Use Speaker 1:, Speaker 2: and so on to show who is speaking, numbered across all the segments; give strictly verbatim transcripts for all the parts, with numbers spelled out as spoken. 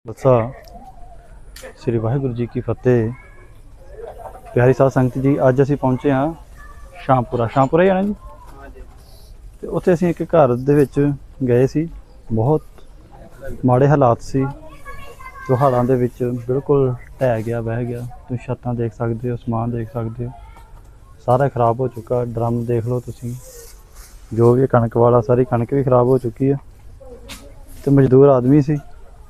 Speaker 1: खालसा श्री वाहिगुरू जी की फतेह। प्यारी साध संगत जी, अज असी पहुंचे हाँ शामपुरा शामपुरा ही है ना जी। तो उत्थे असी एक घर दे विच गए सी। बहुत माड़े हालात सी, जो हालां दे विच बिल्कुल ढह गया बह गया। तुम छत्तां देख सकते हो, समान देख सकते हो, सारा खराब हो चुका। ड्रम देख लो तुसीं, जो भी कणक वाला सारी कणक भी खराब हो चुकी है। तो मजदूर आदमी सी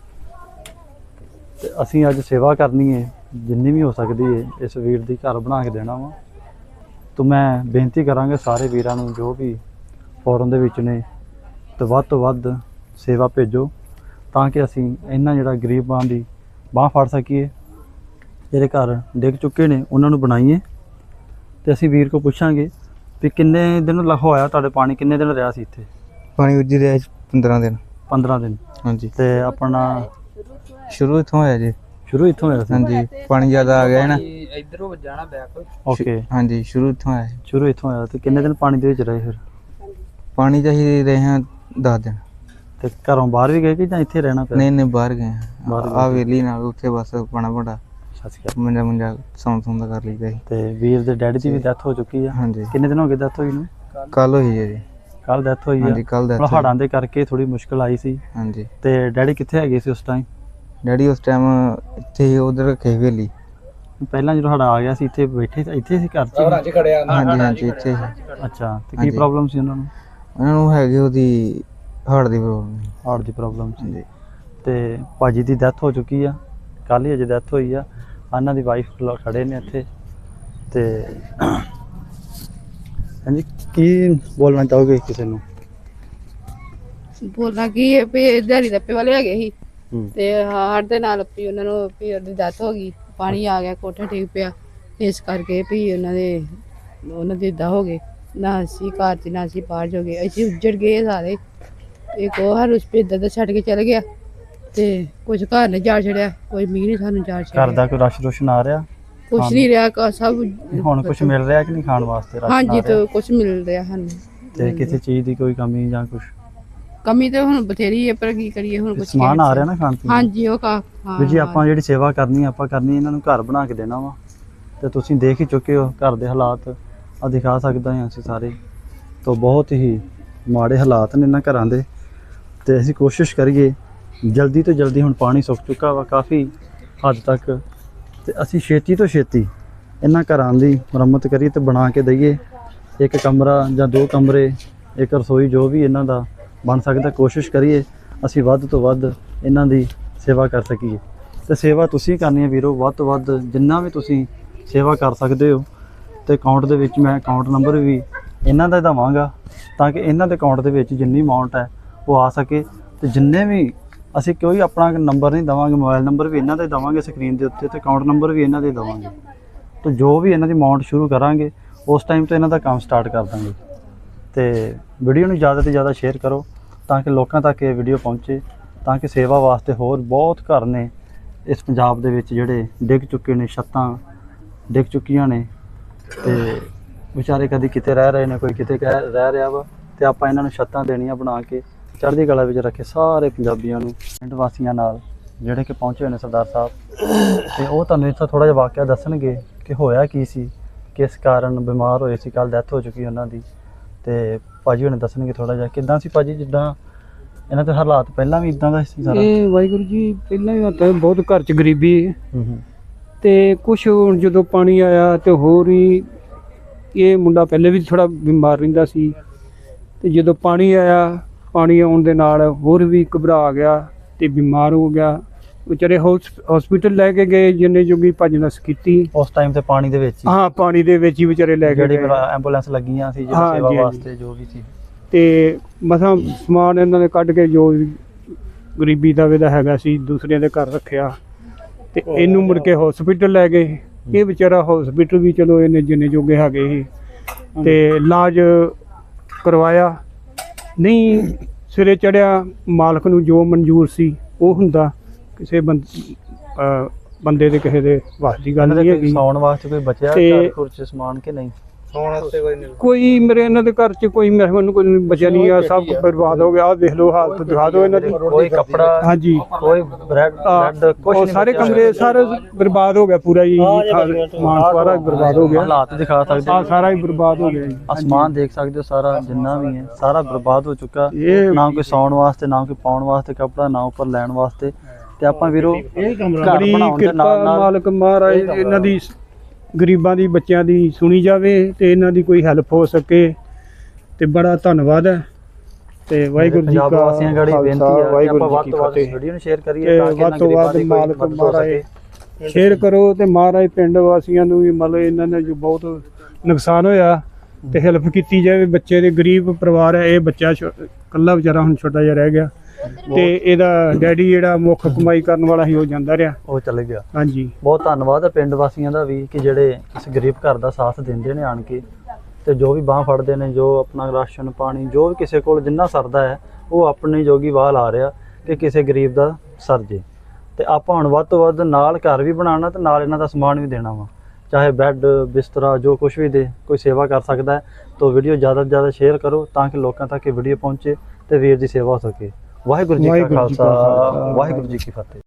Speaker 1: ते असीं अज सेवा करनी है, जिन्नी भी हो सकती है इस वीर दी घर बना के देना वा। तो मैं बेनती करांगा सारे वीरां नूं जो भी फॉरन दे विच ने, तो वध तो वध सेवा भेजो तां कि असीं इन्हां जिहड़ा गरीबां दी बांह फड़ सकीए। जिहड़े घर डिग चुके ने उन्हां नूं बनाईए। ते असीं वीर को पुछांगे भी किन्ने दिन होया तुहाडे पानी, किन्ने दिन रहा सी इत्थे
Speaker 2: पानी उजी रहा पंद्रह दिन।
Speaker 1: पंद्रह दिन
Speaker 2: हाँ जी।
Speaker 1: ते अपना
Speaker 2: शुरू इत्थों होया जी।
Speaker 1: शुरू इत्थों होया सी।
Speaker 2: हाँ जी, पानी ज़्यादा आ गया है ना।
Speaker 3: इधरों जाना बैक।
Speaker 1: ओके,
Speaker 2: हाँ जी, शुरू इत्थों आया।
Speaker 1: शुरू इत्थों होया। ते किन्ने दिन पानी दे विच रहे फिर?
Speaker 2: पानी चाहिए रहे हैं दस दिन।
Speaker 1: ते घरों बाहर भी गए कि जां इत्थे रहना पिया?
Speaker 2: नहीं नहीं बाहर गए हैं।
Speaker 1: बाहर
Speaker 2: आ वेली नाल उत्थे बस पाना बड़ा
Speaker 1: सच गया।
Speaker 2: मंजा मुंजा सौन सौन कर लीदा जी।
Speaker 1: ते वीर दे डैडी दी भी डेथ हो चुकी है।
Speaker 2: हाँ जी,
Speaker 1: किन्ने दिन हो गए डेथ होई नूं?
Speaker 2: कल हुई है जी।
Speaker 1: कल डेथ होई
Speaker 2: हाँ
Speaker 1: है।
Speaker 2: जी, कल
Speaker 1: थोड़ा
Speaker 2: डेथ
Speaker 1: हाड़ां दे करके थोड़ी मुश्किल आई सी।
Speaker 2: हाँ जी।
Speaker 1: ते डैडी कित्थे हैगे सी उस टाइम?
Speaker 2: डैडी उस टाइम इत्थे ही उधर रखे वेली।
Speaker 1: पहला जो हाड़ा आ गया सी इत्थे बैठे इत्थे सी घर च?
Speaker 3: च खड़े आ।
Speaker 2: हाँ जी हाँ जी, इत्थे ही।
Speaker 1: अच्छा, ते
Speaker 2: हाँ
Speaker 1: की
Speaker 2: जी।
Speaker 1: प्रॉब्लम सी उन्हां नूं?
Speaker 2: उन्हां नूं हैगी ओहदी हार्ट दी प्रॉब्लम।
Speaker 1: हार्ट दी प्रॉब्लम
Speaker 2: हाँ
Speaker 1: सी।
Speaker 2: जी।
Speaker 1: ते भाजी दी डेथ हो चुकी है, कल ही अजे डेथ होई आ। उन्हां दी वाइफ खड़े ने इत्थे। ते हाँ जी, की बोलना चाहोगे किसी नूं?
Speaker 4: ਬੋਲਣਾ ਕੀ ਹੈ ਵੀ ਦਿਹਾੜੀ ਦੱਪੇ ਵਾਲੇ ਹੈਗੇ ਸੀ
Speaker 1: ਹੂੰ।
Speaker 4: ਤੇ ਹਾਰ ਦੇ ਨਾਲ ਵੀ ਉਹਨਾਂ ਨੂੰ ਵੀ ਉਹਦੀ ਡੈਥ ਹੋ ਗਈ। ਪਾਣੀ ਆ ਗਿਆ, ਕੋਠਾ ਠੀਕ ਪਿਆ, ਇਸ ਕਰਕੇ ਵੀ ਉਹਨਾਂ ਦੇ ਉਹਨਾਂ ਦੀ ਏਦਾਂ ਹੋ ਗਏ। ਨਾ ਅਸੀਂ ਘਰ 'ਚ ਨਾ ਅਸੀਂ ਬਾਹਰ ਜੋ ਗਏ, ਅਸੀਂ ਉੱਜੜ ਗਏ ਸਾਰੇ। ਇੱਕ ਉਹ ਹਰ ਉਸ ਪੇ ਦਾ ਛੱਡ ਕੇ ਚਲ ਗਿਆ ਤੇ ਕੁਝ ਘਰ ਨੇ ਜਾ ਛੜਿਆ, ਕੋਈ ਮੀਂਹ ਨਹੀਂ ਸਾਨੂੰ ਜਾ
Speaker 1: घर
Speaker 4: ਛੜਿਆ,
Speaker 1: दा कोई रश रुश आ रहा?
Speaker 4: ਕੁਝ ਨਹੀਂ ਰਿਹਾ ਕਾ ਸਭ
Speaker 1: ਹੁਣ ਕੁਝ ਮਿਲ ਰਿਹਾ ਕਿ ਨਹੀਂ ਖਾਣ ਵਾਸਤੇ? ਰਾਸ਼ਨ
Speaker 4: ਹਾਂਜੀ
Speaker 1: ਆ
Speaker 4: ਤੇ
Speaker 1: ਰਿਹਾ?
Speaker 4: ਕੁਝ ਮਿਲ ਰਿਹਾ ਸਾਨੂੰ।
Speaker 1: ਤੇ ਕਿਸੇ ਚੀਜ਼ ਦੀ ਕੋਈ ਕਮੀ ਜਾਂ ਕੁਝ
Speaker 4: ਕਮੀ ਤੇ ਹੁਣ ਬਥੇਰੀ ਹੈ, ਪਰ ਕੀ ਕਰੀਏ ਹੁਣ ਕੁਝ
Speaker 1: ਸਮਾਨ ਆ ਰਿਹਾ ਨਾ ਖਾਣ ਪੀਣ ਦਾ?
Speaker 4: ਹਾਂਜੀ ਉਹ ਕਾ ਹਾਂ
Speaker 1: ਵੀ ਜੀ ਆਪਾਂ ਜਿਹੜੀ ਸੇਵਾ ਕਰਨੀ ਆ, ਆਪਾਂ ਕਰਨੀ ਇਹਨਾਂ ਨੂੰ ਘਰ ਬਣਾ ਕੇ ਦੇਣਾ ਵਾ। ਤੇ ਤੁਸੀਂ ਦੇਖ ਹੀ ਚੁੱਕੇ ਹੋ ਘਰ ਦੇ ਹਾਲਾਤ, ਆ ਦਿਖਾ ਸਕਦਾ ਹਾਂ ਅਸੀਂ ਸਾਰੇ। ਤੋਂ ਬਹੁਤ ਹੀ ਮਾੜੇ ਹਾਲਾਤ ਨੇ ਇਹਨਾਂ ਘਰਾਂ ਦੇ। ਤੇ ਅਸੀਂ ਕੋਸ਼ਿਸ਼ ਕਰੀਏ ਜਲਦੀ ਤੋਂ ਜਲਦੀ, ਹੁਣ ਪਾਣੀ ਸੁੱਕ ਚੁੱਕਾ ਵਾ ਕਾਫੀ ਹੱਦ ਤੱਕ, ਤੇ ਅਸੀਂ ਛੇਤੀ ਤੋਂ ਛੇਤੀ ਇਹਨਾਂ ਘਰਾਂ ਦੀ ਮੁਰੰਮਤ ਕਰੀਏ ਤੇ ਬਣਾ ਕੇ ਦਈਏ। ਇੱਕ ਕਮਰਾ ਜਾਂ ਦੋ ਕਮਰੇ, ਇੱਕ ਰਸੋਈ, ਜੋ ਵੀ ਇਹਨਾਂ ਦਾ ਬਣ ਸਕਦਾ ਕੋਸ਼ਿਸ਼ ਕਰੀਏ ਅਸੀਂ ਵੱਧ ਤੋਂ ਵੱਧ ਇਹਨਾਂ ਦੀ ਸੇਵਾ ਕਰ ਸਕੀਏ। ਤੇ ਸੇਵਾ ਤੁਸੀਂ ਕਰਨੀ ਹੈ ਵੀਰੋ, ਵੱਧ ਤੋਂ ਵੱਧ ਜਿੰਨਾ ਵੀ ਤੁਸੀਂ ਸੇਵਾ ਕਰ ਸਕਦੇ ਹੋ। ਤੇ ਅਕਾਊਂਟ ਦੇ ਵਿੱਚ ਮੈਂ ਅਕਾਊਂਟ ਨੰਬਰ ਵੀ ਇਹਨਾਂ ਦਾ ਦੇਵਾਂਗਾ ਤਾਂ ਕਿ ਇਹਨਾਂ ਦੇ ਅਕਾਊਂਟ ਦੇ ਵਿੱਚ ਜਿੰਨੀ ਅਮਾਊਂਟ ਹੈ ਉਹ ਆ ਸਕੇ। ਤੇ ਜਿੰਨੇ ਵੀ ਅਸੀਂ ਕੋਈ ਆਪਣਾ ਨੰਬਰ ਨਹੀਂ ਦੇਵਾਂਗੇ, ਮੋਬਾਈਲ ਨੰਬਰ ਵੀ ਇਹਨਾਂ ਦਾ ਹੀ ਦੇਵਾਂਗੇ ਸਕਰੀਨ ਦੇ ਉੱਤੇ, ਤੇ ਅਕਾਊਂਟ ਨੰਬਰ ਵੀ ਇਹਨਾਂ ਦੇ ਦੇਵਾਂਗੇ। ਤਾਂ ਜੋ ਵੀ ਇਹਨਾਂ ਦੀ ਅਮਾਊਂਟ ਸ਼ੁਰੂ ਕਰਾਂਗੇ ਉਸ ਟਾਈਮ ਤੋਂ ਇਹਨਾਂ ਦਾ ਕੰਮ ਸਟਾਰਟ ਕਰ ਦਾਂਗੇ। ਤੇ ਵੀਡੀਓ ਨੂੰ ਜ਼ਿਆਦਾ ਤੋਂ ਜ਼ਿਆਦਾ ਸ਼ੇਅਰ ਕਰੋ ਤਾਂ ਕਿ ਲੋਕਾਂ ਤੱਕ ਇਹ ਵੀਡੀਓ ਪਹੁੰਚੇ, ਤਾਂ ਕਿ ਸੇਵਾ ਵਾਸਤੇ ਹੋਰ ਬਹੁਤ ਘਰ ਨੇ ਇਸ ਪੰਜਾਬ ਦੇ ਵਿੱਚ ਜਿਹੜੇ ਡਿੱਗ ਚੁੱਕੇ ਨੇ, ਛੱਤਾਂ ਡਿੱਗ ਚੁੱਕੀਆਂ ਨੇ ਤੇ ਵਿਚਾਰੇ ਕਦੀ ਕਿਤੇ ਰਹਿ ਰਹੇ ਨੇ, ਕੋਈ ਕਿਤੇ ਕਹਿ ਰਹਿ ਰਿਹਾ ਵਾ। ਤੇ ਆਪਾਂ ਇਹਨਾਂ ਨੂੰ ਛੱਤਾਂ ਦੇਣੀਆਂ ਬਣਾ ਕੇ ਚੜ੍ਹਦੀ ਕਲਾ ਵਿੱਚ ਰੱਖੇ ਸਾਰੇ ਪੰਜਾਬੀਆਂ ਨੂੰ, ਪਿੰਡ ਵਾਸੀਆਂ ਨਾਲ ਜਿਹੜੇ ਕਿ ਪਹੁੰਚੇ ਹੋਏ ਨੇ ਸਰਦਾਰ ਸਾਹਿਬ। ਤੇ ਉਹ ਤੁਹਾਨੂੰ ਇੱਥੋਂ ਥੋੜ੍ਹਾ ਜਿਹਾ ਵਾਕਿਆ ਦੱਸਣਗੇ ਕਿ ਹੋਇਆ ਕੀ ਸੀ, ਕਿਸ ਕਾਰਨ ਬਿਮਾਰ ਹੋਏ ਸੀ। ਕੱਲ ਡੈਥ ਹੋ ਚੁੱਕੀ ਉਹਨਾਂ ਦੀ। ਤੇ ਭਾਜੀ ਹੁਣੇ ਦੱਸਣਗੇ ਥੋੜ੍ਹਾ ਜਿਹਾ ਕਿੱਦਾਂ ਸੀ ਭਾਜੀ, ਜਿੱਦਾਂ ਇਹਨਾਂ ਦੇ ਹਾਲਾਤ ਪਹਿਲਾਂ ਵੀ ਇਦਾਂ ਦਾ ਸੀ ਸਾਰਾ?
Speaker 5: ਇਹ ਵਾਹਿਗੁਰੂ ਜੀ, ਪਹਿਲਾਂ ਵੀ ਹੁੰਦਾ ਬਹੁਤ ਘਰ 'ਚ ਗਰੀਬੀ
Speaker 1: ਹੂੰ ਹੂੰ।
Speaker 5: ਤੇ ਕੁਛ ਹੁਣ ਜਦੋਂ ਪਾਣੀ ਆਇਆ ਤੇ ਹੋਰ ਹੀ ਇਹ ਮੁੰਡਾ ਪਹਿਲੇ ਵੀ ਥੋੜਾ ਬਿਮਾਰ ਰਹਿੰਦਾ ਸੀ। ਤੇ ਜਦੋਂ ਪਾਣੀ ਆਇਆ, ਪਾਣੀ ਆਉਣ ਦੇ ਨਾਲ ਹੋਰ ਵੀ ਘਬਰਾ ਗਿਆ ਤੇ ਬਿਮਾਰ ਹੋ ਗਿਆ। ਵਿਚਾਰੇ ਹਸਪੀਟਲ ਲੈ ਕੇ ਗਏ, ਜਿੰਨੇ ਜੋਗੀ ਭੱਜ ਨਸ ਕੀਤੀ।
Speaker 1: ਉਸ ਟਾਈਮ ਤੇ ਪਾਣੀ ਦੇ ਵਿੱਚ ਹੀ
Speaker 5: ਹਾਂ, ਪਾਣੀ ਦੇ ਵਿੱਚ ਹੀ ਵਿਚਾਰੇ ਲੈ ਕੇ
Speaker 1: ਜਿਹੜੀ
Speaker 5: ਗਏ।
Speaker 1: ਐਂਬੂਲੈਂਸ ਲੱਗੀਆਂ ਸੀ, ਜਿਹੜੀ
Speaker 5: ਹਾਂ,
Speaker 1: ਸੇਵਾ
Speaker 5: ਜੀ, ਹਾਂਜੀ।
Speaker 1: ਵਾਸਤੇ ਜੋ ਵੀ ਸੀ।
Speaker 5: ਤੇ ਮਸਾਂ ਸਮਾਨ ਇਹਨਾਂ ਨੇ ਕੱਢ ਕੇ ਜੋ ਵੀ ਗਰੀਬੀ ਦਾ ਵੇਦਾ ਹੈਗਾ ਸੀ ਦੂਸਰਿਆਂ ਦੇ ਘਰ ਰੱਖਿਆ। ਤੇ ਇਹਨੂੰ ਮੁੜ ਕੇ ਹਸਪੀਟਲ ਲੈ ਗਏ। ਇਹ ਵਿਚਾਰਾ ਹਸਪੀਟਲ ਵੀ ਚਲੋ ਇਹਨੇ ਜਿੰਨੇ ਜੋਗੇ ਹੈਗੇ ਸੀ ਤੇ ਇਲਾਜ ਕਰਵਾਇਆ। ਨਹੀਂ ਸਿਰੇ ਚੜਿਆ, ਮਾਲਕ ਨੂੰ ਜੋ ਮਨਜ਼ੂਰ ਸੀ ਉਹ ਹੁੰਦਾ। ਕਿਸੇ ਬੰਦ ਬੰਦੇ ਦੇ ਕਿਸੇ ਦੇ ਵੱਸ ਦੀ ਗੱਲ ਨਹੀਂ ਹੈਗੀ।
Speaker 1: ਸੌਣ ਵਾਸਤੇ ਕੋਈ ਬਚਿਆ
Speaker 5: ਤੇ
Speaker 1: ਘਰ ਘੁਰ ਚ ਸਮਾਨ ਕਿ ਨਹੀਂ?
Speaker 3: ਸੌਣ ਵਾਸਤੇ ਕੋਈ ਨਹੀਂ
Speaker 5: ਕੋਈ ਮੇਰੇ ਇਹਨਾਂ ਦੇ ਘਰ 'ਚ ਕੋਈ ਮੇਰੇ ਮੈਨੂੰ ਕੋਈ ਬਚਿਆ ਨਹੀਂ ਆ, ਸਭ ਕੁਛ ਬਰਬਾਦ ਹੋ ਗਿਆ। ਆਹ ਦੇਖ ਲਓ ਹਾਲਤ ਦਿਖਾ ਦਿਓ ਇਹਨਾਂ ਦੀ।
Speaker 1: ਕੋਈ ਕੱਪੜਾ,
Speaker 5: ਹਾਂਜੀ
Speaker 1: ਕੋਈ ਬ੍ਰੈਡ ਬ੍ਰੈਡ ਕੁਝ
Speaker 5: ਉਹ ਸਾਰੇ ਕਮਰੇ ਸਾਰੇ ਬਰਬਾਦ ਹੋ ਗਿਆ ਪੂਰਾ ਜੀ, ਸਮਾਨ ਸਾਰਾ ਬਰਬਾਦ ਹੋ ਗਿਆ।
Speaker 1: ਹਾਲਾਤ ਦਿਖਾ ਸਕਦੇ
Speaker 5: ਆ
Speaker 1: ਹੋ,
Speaker 5: ਸਾਰਾ ਹੀ ਬਰਬਾਦ ਹੋ ਗਿਆ ਜੀ।
Speaker 1: ਅਸਮਾਨ ਦੇਖ ਸਕਦੇ ਹੋ, ਸਾਰਾ ਜਿੰਨਾ ਵੀ ਹੈ ਸਾਰਾ ਬਰਬਾਦ ਹੋ ਚੁੱਕਾ।
Speaker 5: ਇਹ
Speaker 1: ਨਾ ਕੋਈ ਸੌਣ ਵਾਸਤੇ, ਨਾ ਕੋਈ ਪਾਉਣ ਵਾਸਤੇ ਕੱਪੜਾ, ਨਾ ਉੱਪਰ ਲੈਣ ਵਾਸਤੇ। ਤੇ ਆਪਾਂ ਵੀਰੋ ਘਰ
Speaker 5: ਬੜੀ
Speaker 1: ਬਣਾਉਣ ਦੇ
Speaker 5: ਕਿਰਪਾ
Speaker 1: ਨਾਲ ਨਾਲ
Speaker 5: ਮਾਲਕ ਮਹਾਰਾਜ ਇਹਨਾਂ ਦੀ ਗਰੀਬਾਂ ਦੀ ਬੱਚਿਆਂ ਦੀ ਸੁਣੀ ਜਾਵੇ ਤੇ ਇਹਨਾਂ ਦੀ ਕੋਈ ਹੈਲਪ ਹੋ ਸਕੇ ਤੇ ਬੜਾ ਧੰਨਵਾਦ ਹੈ। ਤੇ ਵਾਹਿਗੁਰੂ ਜੀ
Speaker 1: ਪੰਜਾਬ
Speaker 5: ਕਾ
Speaker 1: ਵਾਸੀਆਂ ਗੜੀ ਬੇਨਤੀ
Speaker 5: ਖਾਲਸਾ,
Speaker 1: ਹੈ ਕਿ
Speaker 5: ਵਾਹਿਗੁਰੂ
Speaker 1: ਆਪਾਂ
Speaker 5: ਜੀ
Speaker 1: ਵੱਧ
Speaker 5: ਕੀ
Speaker 1: ਤੋਂ ਵੱਧ
Speaker 5: ਫਤਿਹ।
Speaker 1: ਵੀਡੀਓ ਨੂੰ ਸ਼ੇਅਰ ਕਰੀਏ
Speaker 5: ਤੇ
Speaker 1: ਤਾਂ ਕਿ
Speaker 5: ਵੱਧ ਤੋਂ
Speaker 1: ਇਹਨਾਂ
Speaker 5: ਵੱਧ
Speaker 1: ਗਰੀਬਾਂ ਦੀ
Speaker 5: ਮਾਲਕ
Speaker 1: ਕੋਈ ਮਦਦ ਹੋ
Speaker 5: ਮਹਾਰਾਜ
Speaker 1: ਸਕੇ।
Speaker 5: ਸ਼ੇਅਰ ਕਰੋ ਤੇ ਮਹਾਰਾਜ ਪਿੰਡ ਵਾਸੀਆਂ ਨੂੰ ਵੀ ਮਤਲਬ ਇਹਨਾਂ ਨੇ ਜੋ ਬਹੁਤ ਨੁਕਸਾਨ ਹੋਇਆ ਤੇ ਹੈਲਪ ਕੀਤੀ ਜਾਵੇ। ਬੱਚੇ ਦੇ ਗਰੀਬ ਪਰਿਵਾਰ ਹੈ, ਇਹ ਬੱਚਾ ਇਕੱਲਾ ਵਿਚਾਰਾ ਹੁਣ ਛੋਟਾ ਜਿਹਾ ਰਹਿ ਗਿਆ ਤੇ ਇਹਦਾ ਡੈਡੀ ਜਿਹੜਾ ਮੁੱਖ ਕਮਾਈ ਕਰਨ ਵਾਲਾ ਸੀ ਉਹ ਜਾਂਦਾ ਰਿਹਾ।
Speaker 1: ਉਹ ਚਲੇ ਗਿਆ।
Speaker 5: ਹਾਂਜੀ
Speaker 1: ਬਹੁਤ ਧੰਨਵਾਦ ਹੈ ਪਿੰਡ ਵਾਸੀਆਂ ਦਾ ਵੀ ਕਿ ਜਿਹੜੇ ਇਸ ਗਰੀਬ ਘਰ ਦਾ ਸਾਥ ਦਿੰਦੇ ਨੇ ਆਣ ਕੇ, ਤੇ ਜੋ ਵੀ ਬਾਂਹ ਫੜਦੇ ਨੇ, ਜੋ ਆਪਣਾ ਰਾਸ਼ਨ ਪਾਣੀ ਜੋ ਵੀ ਕਿਸੇ ਕੋਲ ਜਿੰਨਾ ਸਰਦਾ ਹੈ ਉਹ ਆਪਣੀ ਜੋਗੀ ਵਾਹ ਲਾ ਰਿਹਾ ਕਿ ਕਿਸੇ ਗਰੀਬ ਦਾ ਸਰ ਜੇ। ਤੇ ਆਪਾਂ ਹੁਣ ਵੱਧ ਤੋਂ ਵੱਧ ਨਾਲ ਘਰ ਵੀ ਬਣਾਉਣਾ ਤੇ ਨਾਲ ਇਹਨਾਂ ਦਾ ਸਮਾਨ ਵੀ ਦੇਣਾ ਵਾ, ਚਾਹੇ ਬੈੱਡ ਬਿਸਤਰਾ ਜੋ ਕੁਝ ਵੀ ਦੇ ਕੋਈ ਸੇਵਾ ਕਰ ਸਕਦਾ ਹੈ। ਤਾਂ ਵੀਡੀਓ ਜ਼ਿਆਦਾ ਤੋਂ ਜ਼ਿਆਦਾ ਸ਼ੇਅਰ ਕਰੋ ਤਾਂ ਕਿ ਲੋਕਾਂ ਤੱਕ ਇਹ ਵੀਡੀਓ ਪਹੁੰਚੇ ਤੇ ਵੀਰ ਦੀ ਸੇਵਾ ਹੋ ਸਕੇ। ਵਾਹਿਗੁਰੂ ਜੀ ਕਾ
Speaker 5: ਵਾਹਿਗੁਰੂ ਜੀ ਕਾ
Speaker 1: ਖਾਲਸਾ,
Speaker 5: ਖਾਲਸਾ,
Speaker 1: ਵਾਹਿਗੁਰੂ ਜੀ ਕੀ ਫਤਿਹ।